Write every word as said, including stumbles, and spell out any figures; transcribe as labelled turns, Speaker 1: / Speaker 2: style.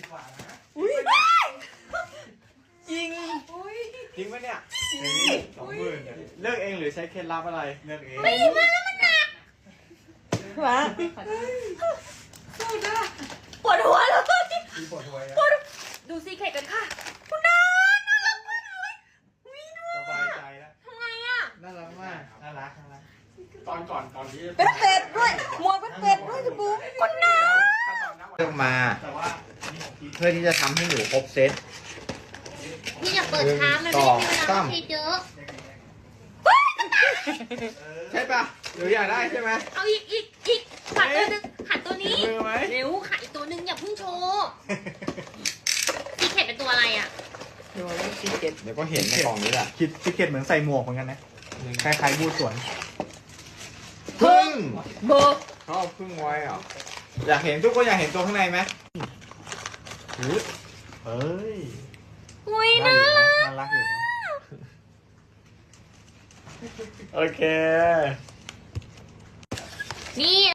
Speaker 1: กว่านะ
Speaker 2: อุ้ยจริง
Speaker 3: จริงปะเนี่ย
Speaker 1: สองหมื่น
Speaker 3: เลือกเองหรือใช้เคล็ดลับอะไร
Speaker 1: เลือกเอง
Speaker 2: ไม่มาแล้วมันหนักวะปวดหัวเลย
Speaker 1: มีปวดหัว
Speaker 2: ปวดดูซีเคกันค่ะคุณน้าน่ารักมากเลยวิดู
Speaker 1: สบายใจแล้ว
Speaker 2: ทำไงอ่ะ
Speaker 3: น่ารักมาก
Speaker 1: น่ารักน่ารักตอนก่อนก่อนที่
Speaker 2: เป็นเป็ดด้วยหมวกเป็นเป็ดด้วยคุณบูคุณน้า
Speaker 3: เลือกมา
Speaker 1: แต่ว่านี่ของพี่
Speaker 3: เพื่อที่จะทำให้หนูครบเซต
Speaker 2: พี่อย่าเปิดช้ามันไม่ได้มีเวลาคิดเยอะ
Speaker 3: ใช่ปะหนูอยากได้ใช่ไหม
Speaker 2: เอาอีกอีกอีกขัดตัวนึงขัดตัวนี้
Speaker 3: มือไหม
Speaker 2: เร็วขัดอีกตัวนึงอย่าเพิ่งโชว์ซีเคเป็นตัวอะไรอ่ะ
Speaker 3: เดี๋ยวก็เห็นในกล่องนี้แหละ
Speaker 1: คิดคิดเก็ตเหมือนใส่หมวกเหมือนกันนะคล้ายๆบูสวน
Speaker 3: พึ่ง
Speaker 2: เบอร์
Speaker 3: เขาเอาพึ่งไว้เหรออยากเห็นทุกคนอยากเห็นตัวข้างในไหม
Speaker 1: เฮ้ย
Speaker 2: อุ้ย
Speaker 1: น่า
Speaker 2: น่า
Speaker 1: อยู่
Speaker 2: รั
Speaker 1: นะ
Speaker 2: ก
Speaker 1: น่ารักอยู่นะ
Speaker 3: โอเค
Speaker 2: นี่